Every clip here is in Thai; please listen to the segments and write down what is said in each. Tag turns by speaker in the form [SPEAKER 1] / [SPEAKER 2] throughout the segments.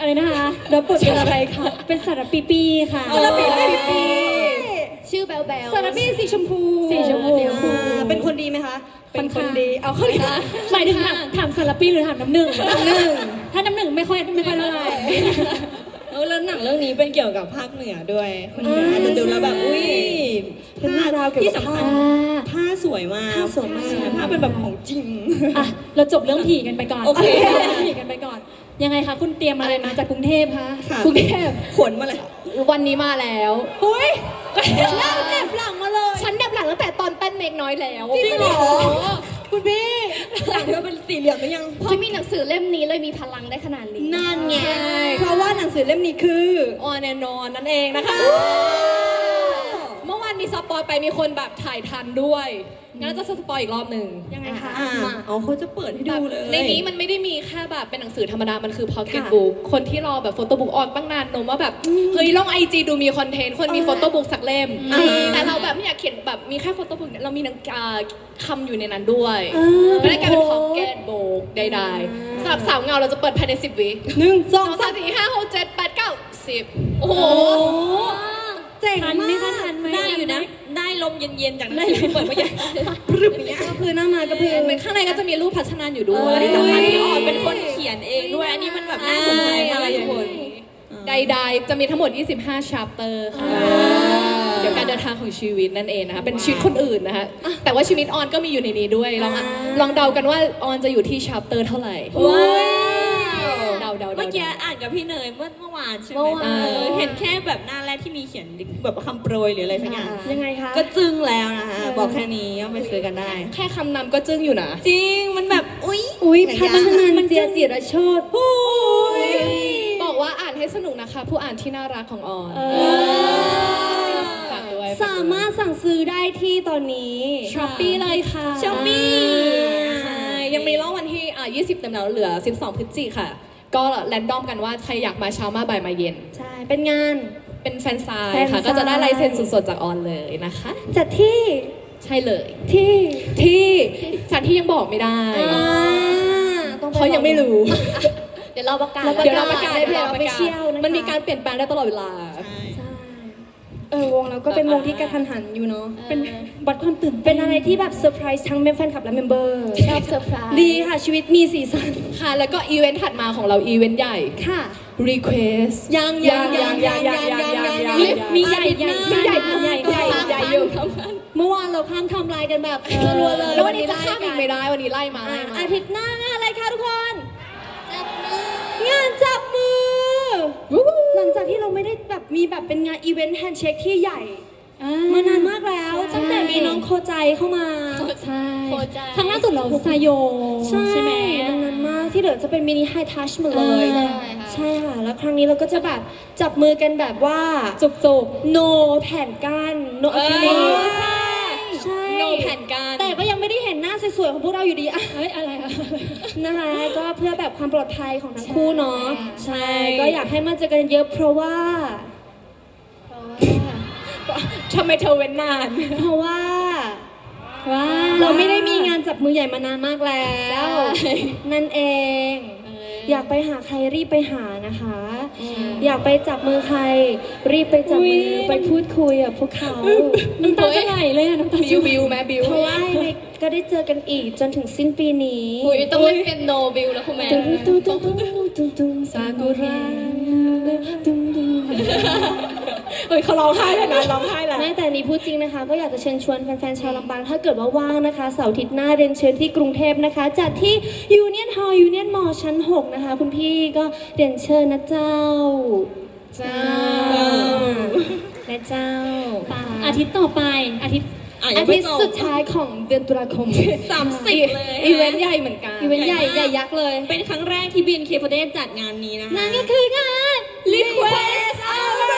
[SPEAKER 1] อะไรนะคะรับบทเป็นอะไรคะเป็นสารปีปีค่ะสารปีปี
[SPEAKER 2] ชื่อแบลแบล
[SPEAKER 1] สารปีสีชมพู
[SPEAKER 3] เป็นคนดีไหมคะเป็นคนดีเอาคนดี
[SPEAKER 1] หมายถึงถามสารปีหรือถามน้ำหนึ่งถ้าน้ำหนึ่งไม่ค่อยเท่าไหร่
[SPEAKER 3] แล้วหนังเรื่องนี้เป็นเกี่ยวกับภาคเหนือด้วยคนเหนืออาจจะดูแล้วแบบอุ้ย
[SPEAKER 1] เป็นราวเกี่ยวกับ
[SPEAKER 3] ผ้าสวยมากผ้าเป็นแบบของจริง
[SPEAKER 1] อ่ะเราจบเรื่องผีกันไปก่อน
[SPEAKER 3] โอเค
[SPEAKER 1] ผีกันไปก่อนยังไงคะคุณเตรียมอะไรมาจากกรุงเทพคะ
[SPEAKER 3] กรุงเทพขนมาเลย
[SPEAKER 2] วันนี้มาแล้ว
[SPEAKER 1] หุ้ย
[SPEAKER 2] นั่งแนบหลังมาเลยฉันแนบหลังตั้งแต่ตอนเต้นเมกน้อยแล้ว
[SPEAKER 3] จริงเหรอคุณพี่หลังเธอเป็นสี่เหลี่ยมหรือยัง
[SPEAKER 2] เพราะมีหนังสือเล่มนี้เลยมีพลังได้ขนาดนี้
[SPEAKER 3] นั่นไงเพราะว่าหนังสือเล่มนี้คือ
[SPEAKER 2] On and On นั่นเองนะคะเมื่อวานมีสปอยไปมีคนแบบถ่ายทันด้วยงั้นจะสปอยอีกรอบหนึ่ง
[SPEAKER 1] ยังไงคะ
[SPEAKER 3] เขาจะเปิดให้ดูเลย
[SPEAKER 2] ในนี้มันไม่ได้มีแค่แบบเป็นหนังสือธรรมดามันคือ Pocket Book คนที่รอแบบโฟโต้บุ๊กออนตั้งนานนมว่าแบบเฮ้ยลอง IG ดูมีคอนเทนต์คนมีโฟโต้บุ๊กสักเล่มแต่เราแบบไม่อยากเขียนแบบมีแค่โฟโต้บุ๊กเรามีคำอยู่ในนั้นด้วยไม่ได้กลายเป็น Pocket Book ใดๆสำหรับสาวเงาเราจะเปิดภายใน10 วิ
[SPEAKER 3] 1 2
[SPEAKER 2] 3 4 5 6 7 8 9 10โอ้โห
[SPEAKER 3] เจ๋งมากได้อยู่นะได้ลมเย็นๆจากหนังสือเปิดมาใหญ่พรึบอย่างเงี้ยก็คือหน้ามาก็คือ
[SPEAKER 2] เหมือนข้างในก็จะมีรูปพัชนานอยู่ด้วย
[SPEAKER 3] ที่สำคัญที่ออนเป็นคนเขียนเองด้วยอันนี้มันแบบน่าสนใจมากทุกคน
[SPEAKER 2] ใดๆจะมีทั้งหมด25 chapter ค่ะเดี๋ยวการเดินทางของชีวิตนั่นเองนะคะเป็นชีวิตคนอื่นนะคะแต่ว่าชีวิตออนก็มีอยู่ในนี้ด้วยลองเดากันว่าออนจะอยู่ที่ chapter เท่าไหร่
[SPEAKER 3] เมื่อกี้อ่านกับพี่เนยเมื่อวานใช่ไหมเห็นแค่แบบหน้าแรกที่มีเขียนแบบคำโปรยหรืออะไรสักอย่าง
[SPEAKER 1] ยังไงคะ
[SPEAKER 3] ก็จึ้งแล้วนะคะบอกแค่นี้ก็ไปซื้อกันได้
[SPEAKER 2] แค่คำนำก็จึ้งอยู่นะ
[SPEAKER 3] จริงมันแบบ
[SPEAKER 1] อุ้ยพัฒนามันเจียจิรโชติ
[SPEAKER 2] บอกว่าอ่านให้สนุกนะคะผู้อ่านที่น่ารักของออน
[SPEAKER 1] สามารถสั่งซื้อได้ที่ตอนนี้ Shopee เลยค่ะ
[SPEAKER 2] Shopee ใช่ยังมีรอบวันที่20เต็มแล้วเหลือ12 พฤศจิกายนค่ะก็แรนดอมกันว่าใครอยากมาเช้ามาบ่ายมาเย็น
[SPEAKER 1] ใช่เป็นงาน
[SPEAKER 2] เป็นแฟนไซน์ค่ะก็จะได้ลายเซ็นสดๆจากออนเลยนะคะ
[SPEAKER 1] จัดที่
[SPEAKER 2] ใช่เลย
[SPEAKER 1] ที่
[SPEAKER 2] สถานที่ยังบอกไม่ได้เขายังไม่รู้เดี๋ยวเราประกาศในเพจออฟฟิเชียลนะคะมันมีการเปลี่ยนแปลงได้ตลอดเวลา
[SPEAKER 1] วงเราก็เป็นวงที่กระทันหันอยู่เนาะเป็นบัตรความตื่นเป็นอะไรที่แบบเซอร์ไพรส์ทั้งแฟนคลับและเมมเบอร์
[SPEAKER 2] ชอบเซอร์ไพรส์
[SPEAKER 1] ดีค่ะชีวิตมีสีสัน
[SPEAKER 2] ค่ะแล้วก็อีเวนต์ถัดมาของเราอีเวนต์ใหญ่
[SPEAKER 1] ค่ะ
[SPEAKER 2] Request
[SPEAKER 3] ยัง
[SPEAKER 1] มีใหญ่
[SPEAKER 2] อยู่
[SPEAKER 1] เมื่อวานเราข้ามทำลายกันแบบรัวเลย
[SPEAKER 2] แล้ววันนี้จะข้ามอีกไม่ได้วันนี้ไล่มา
[SPEAKER 1] อาทิตย์หน้างานอะไรคะทุกคนงานจับมือหลังจากที่เราไม่ได้แบบมีแบบเป็นงานอีเวนต์แฮนด์เช็คที่ใหญ่มานานมากแล้วตั้งแต่มีน้องโคใจเข้ามา
[SPEAKER 2] ใช่
[SPEAKER 1] ครั้งล่าสุดเราซาโยใช่ไหมนานมากที่เหลือจะเป็นมินิไฮทัชมาเลยใช่ค่ะแล้วครั้งนี้เราก็จะแบบจับมือกันแบบว่าจุกโนแผ่นกันโนอะคริลิกใช่
[SPEAKER 2] โนแผ่นกัน
[SPEAKER 1] แต่ก็ยังไม่ได้เห็นหน้าสวยๆของพวกเราอยู่ดีอะไรนะคะก็เพื่อแบบความปลอดภัยของทั้งคู่เนาะใช่ก็อยากให้มาเจอกันเยอะเพราะว่า
[SPEAKER 2] ทำไมเธอเว้นนาน
[SPEAKER 1] เพราะว่าเราไม่ได้มีงานจับมือใหญ่มานานมากแล้วนั่นเองอยากไปหาใครรีบไปหานะคะอยากไปจับมือใครรีบไปจับมือไปพูดคุยกับพวกเขาน้ำตาจะไหลเลยน้ำตา
[SPEAKER 2] บิวแม่บิว
[SPEAKER 1] เพราะว่าก็ได้เจอกันอีกจนถึงสิ้นปีนี้
[SPEAKER 2] ต้องเล่นเป็นโนบิวแล้วคุณแม่
[SPEAKER 1] ซากุระ
[SPEAKER 3] เขาร้องไห้แล้วนะร้องไห้แล้ว
[SPEAKER 1] ไม่แต่นี้พูดจริงนะคะก็อยากจะเชิญชวนแฟนๆชาวลำปางถ้าเกิดว่าว่างนะคะเสาร์อาทิตย์หน้าเรียนเชิญที่กรุงเทพนะคะจัดที่ยูเนียนฮอลล์ยูเนียนมอลล์ชั้น6นะคะคุณพี่ก็เรียนเชิญนะเจ้าและเจ้าอาทิตย์ต่อไปอาทิตย์สุดท้ายของเดือนตุลาคม
[SPEAKER 3] 30เลย
[SPEAKER 2] อีเวนต์ใหญ่เหมือนกัน
[SPEAKER 1] อีเวนต์ใหญ่ยักษ์เลย
[SPEAKER 3] เป็นครั้งแรกที่บินเคฟเดจัดงานนี้นะคะ
[SPEAKER 1] นั่นก็คืองาน
[SPEAKER 3] Request Hour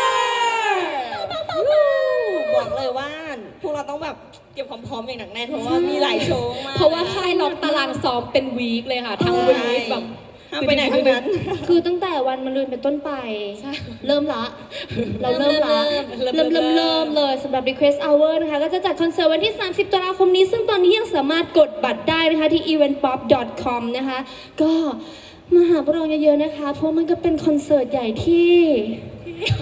[SPEAKER 3] บอกเลยว่าพวกเราต้องแบบเก็บความพร้อมอย่างหนักแน่นเพราะว่ามีหลายโชว์มาก
[SPEAKER 2] เพราะว่าค่ายล็อกตารางซ้อมเป็นวีคเลยค่ะทั้งวีคแบบ
[SPEAKER 3] ไปไหนทั้งนั้น
[SPEAKER 1] คือตั้งแต่วันมะรืนเป็นต้นไปเริ่มละเราเริ่มเลยสำหรับ Request Hour นะคะก็จะจัดคอนเสิร์ตวันที่30 ตุลาคมนี้ซึ่งตอนนี้ยังสามารถกดบัตรได้นะคะที่ eventpop.com นะคะก็มาหาพวกเราเยอะๆนะคะ เพราะมันก็เป็นคอนเสิร์ตใหญ่ที่